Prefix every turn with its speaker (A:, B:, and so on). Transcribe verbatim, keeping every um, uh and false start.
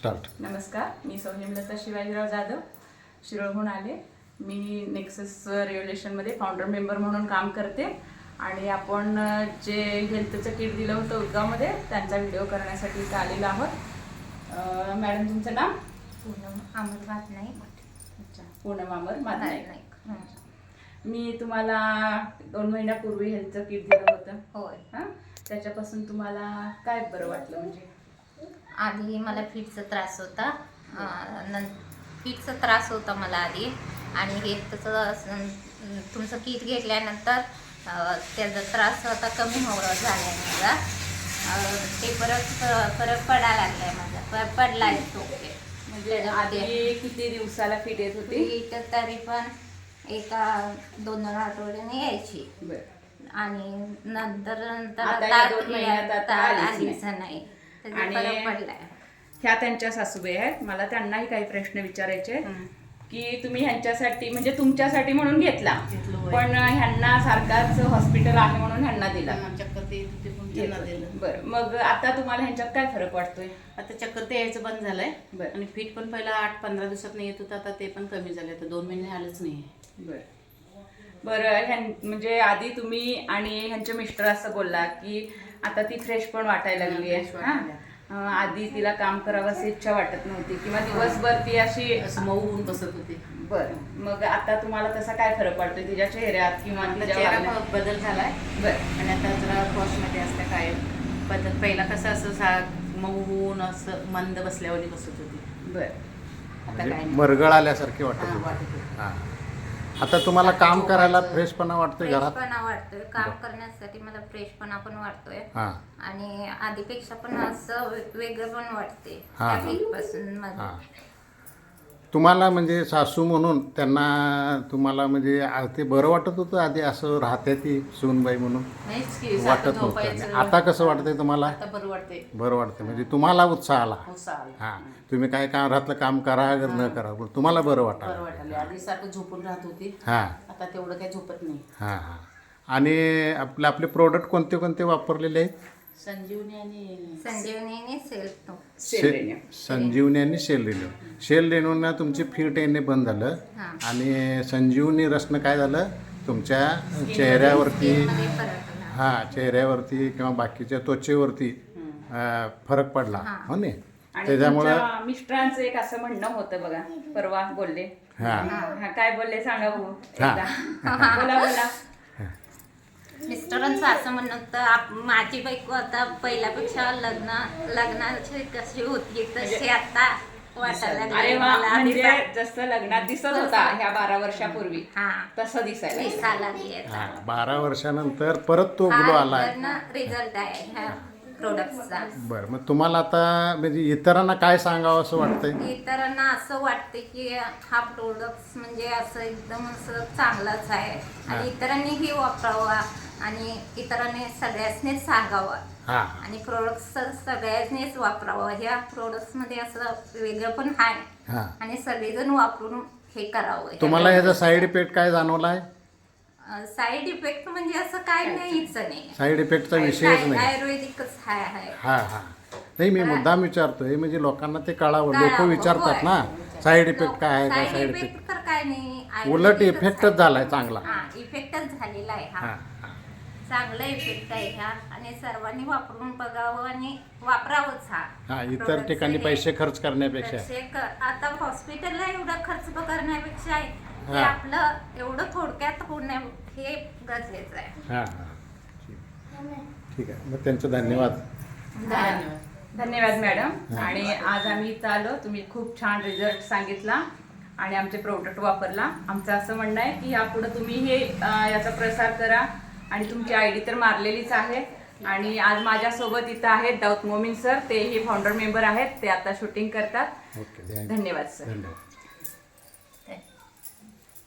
A: Start.
B: नमस्कार, मी सौ हेमलता शिवाजीराव जाधव, शिरोळहून आले. मी नेक्सस रेव्होल्युशनमध्ये फाउंडर मेंबर म्हणून काम करते आणि आपण जे हेल्थचं किट दिलं होतं उदगावमध्ये त्यांचा व्हिडिओ करण्यासाठी इथं आलेलो आहोत. मॅडम, तुमचं नाव?
C: पूनम अमर मातनाईक.
B: अच्छा, पूनम अमर मातनाईक.
C: नाईक.
B: मी तुम्हाला दोन महिन्यापूर्वी हेल्थचं किट दिलं होतं.
C: होय.
B: हां, त्याच्यापासून तुम्हाला काय बरं वाटलं? म्हणजे
C: आधी मला फिटचा त्रास होता. नं फिटचा त्रास होता मला आधी, आणि हे तसं तुमचं किट घेतल्यानंतर त्याचा त्रास होता कमी हो झाला आहे माझा. ते परत फरक पडायला लागला आहे माझा, पडला आहे तो.
B: म्हणजे आधी किती दिवसाला फिट येत होती?
C: फिट तरी पण एका दोन दोन आठवड्याने यायची.
B: बरं.
C: आणि नंतर नंतर
B: आता या दोन महिन्यात आता आलीच
C: आलीच नाही. त्याचा
B: आणि
C: फरक पडलाय.
B: ह्या त्यांच्या सासूबाई आहेत. मला त्यांनाही काही प्रश्न विचारायचे आहेत की तुम्ही ह्यांच्यासाठी म्हणजे तुमच्यासाठी म्हणून घेतला, पण ह्यांना सारखाच हॉस्पिटल आहे म्हणून ह्यांना दिला.
D: चक्कर ते येत होते पण त्यांना दिलं.
B: बरं, मग आता तुम्हाला ह्यांच्यात काय फरक वाटतोय?
D: आता चक्कर ते यायचं बंद झालंय.
B: बरं.
D: आणि फिट पण पहिला आठ पंधरा दिवसात येत होतं, आता ते पण कमी झाले. आता दोन महिने आलंच नाही.
B: बरं बरं ह्यां म्हणजे आधी तुम्ही आणि ह्यांचे मिस्टर असं बोलला की आता ती फ्रेश पण वाटायला लागली आहे. हां, आधी तिला काम करावंसं इच्छा वाटत नव्हती किंवा दिवसभर ती अशी
D: असं मऊ होऊन बसत होते.
B: बरं, मग आता तुम्हाला तसा काय फरक पडतोय तिच्या चेहऱ्यात किंवा
D: आता
B: तिच्या
D: चेहरा
B: वागण्यात?
D: बदल झालाय.
B: बरं.
D: आणि आता जरा क्रॉसमध्ये असतं काय बदल. पहिला कसं असं सा मऊ होऊन असं मंद बसल्यावर बसत होती.
B: बरं.
D: आता
A: म्हणजे
D: काय नाही.
A: मरगळ आल्यासारखे वाटत
D: हां,
A: होते.
D: वाटत होतं.
A: हां. आता तुम्हाला काम करायला फ्रेशपणा वाटतोय घरात?
C: फ्रेशपणा वाटतोय. काम करण्यासाठी मला फ्रेशपणा पण वाटतोय.
A: हां
C: आणि आधीपेक्षा पण असं वे- वेगळं पण वाटते
A: हा.
C: त्या वीकपासून माझं.
A: हां. तुम्हाला म्हणजे सासू म्हणून त्यांना तुम्हाला म्हणजे आ- ते बरं वाटत होतं आधी असं राहते ती सूनबाई म्हणून
D: नाहीच की सारखं
A: वाटत नव्हतं.
D: झोपायचं.
A: आणि आता कसं वाटतंय तुम्हाला?
D: आता बरं वाटते.
A: बरं वाटतं म्हणजे तुम्हाला उत्साह आला.
D: उत्साह आला.
A: हां, तुम्ही काय काम घरातलं काम करा अगर न करा पण तुम्हाला बरं
D: बरं
A: वाटायला.
D: वाटायला. आधी सारखं झोपून राहत होती,
A: हां
D: आता तेवढं काही झोपत नाही.
A: हां हां. आणि आपले आपले प्रोडक्ट कोणते कोणते वापरलेले आहेत?
D: संजीवनी आणि
C: संजीवनीने सेल्फ तो
B: सेल
A: संजीवनी आणि शेल रेन्यू. शेल रेन्यूनं तुमची फिट येणे बंद झालं,
C: हां.
A: आणि संजीवनी रसनं काय झालं तुमच्या चेहऱ्यावरती,
C: मध्ये फरक आला.
A: हां चेहऱ्यावरती किंवा बाकीच्या त्वचेवरती अं, फरक पडला हो नाही.
B: आणि
A: त्याच्यामुळं
B: तुमच्या मिस्टरांचं एक असं म्हणणं होतं बघा, परवा बोलले.
A: हां
B: हा, काय बोलले सांगा भाऊ
A: हां.
B: एकदा. बोला बोला.
C: मिस्टरांचं असं म्हणणं होतं, आप- माझी बायको आता पहिल्यापेक्षा लग्न लग्नाची कशी होती तशी आता वाटायला लागली
B: अरे वा,
C: मला. आधी
B: म्हणजे
C: सा-
B: जसं लग्नात दिसत होता ह्या बारा वर्षापूर्वी
C: हा
B: तसं दिसायला लागलं.
C: दिसायला लागली आता.
A: हां बारा वर्षानंतर परत तो ग्लो आला आहे.
C: रिझल्ट आहे ह्या प्रोडक्टचा.
A: बरं, मग तुम्हाला आता म्हणजे इतरांना काय सांगावं असं वाटतंय?
C: इतरांना असं वाटते की हा प्रोडक्ट म्हणजे असं एकदम असं चांगलाच आहे, आणि इतरांनीही वापरावा आणि इतरांनी सगळ्यांनीच सांगावं.
A: हां
C: आणि प्रोडक्ट्स सगळ्यांनीच वापरावं. ह्या प्रोडक्ट्समध्ये असं वेगळं पण आहे,
A: हां.
C: आणि सगळेजण वापरून हे करावं.
A: तुम्हाला याचा साईड इफेक्ट काय जाणवला आहे?
C: साईड इफेक्ट म्हणजे असं काय नाहीच नाही.
A: साईड इफेक्टचा विषयच
C: काय-
A: नाही.
C: आयुर्वेदिकच आहे आहे.
A: हां हां. नाही, मी मुद्दाम विचारतोय म्हणजे लोकांना ते कळावं. लोक
C: कळावं,
A: विचारतात
C: होय.
A: ना साईड इफेक्ट काय आहे का
C: साईड
A: साईड
C: इफेक्ट
A: इफेक्ट.
C: तर काय नाही.
A: उलट
C: आयुर्वेदिकच
A: इफेक्टच
C: आहे.
A: झालाय चांगला.
C: हा, इफेक्टच झालेला आहे हा.
A: हां हां.
C: चांगला इफेक्ट आहे हा, आणि सर्वांनी वापरून बघावं आणि वापरावंच हा.
A: हां इतर
C: Products
A: ठिकाणी
C: हे-
A: पैसे खर्च करण्यापेक्षा.
C: पैसे क- आता हॉस्पिटलला एवढा खर्च करण्यापेक्षा आहे ते
A: हा.
C: आपलं एवढं थोडक्यात होण्या हे गरजेचं आहे.
A: हां हां ठीक आहे. मग त्यांचं धन्यवाद.
D: धन्यवाद.
B: धन्यवाद मॅडम. आणि आज आम्ही इथं आलो, तुम्ही खूप छान रिझल्ट सांगितला आणि आमचे प्रोडक्ट वापरला. आमचं असं म्हणणं आहे की यापुढे तुम्ही हे अं, याचा प्रसार करा. आणि तुमची आय डी तर मारलेलीच आहे. आणि आज माझ्यासोबत इथं आहेत दाऊद मोमीन सर, तेही फाउंडर मेंबर आहेत, ते आता शूटिंग करतात.
A: ओके
B: धन्यवाद सर.
A: धन्यवाद.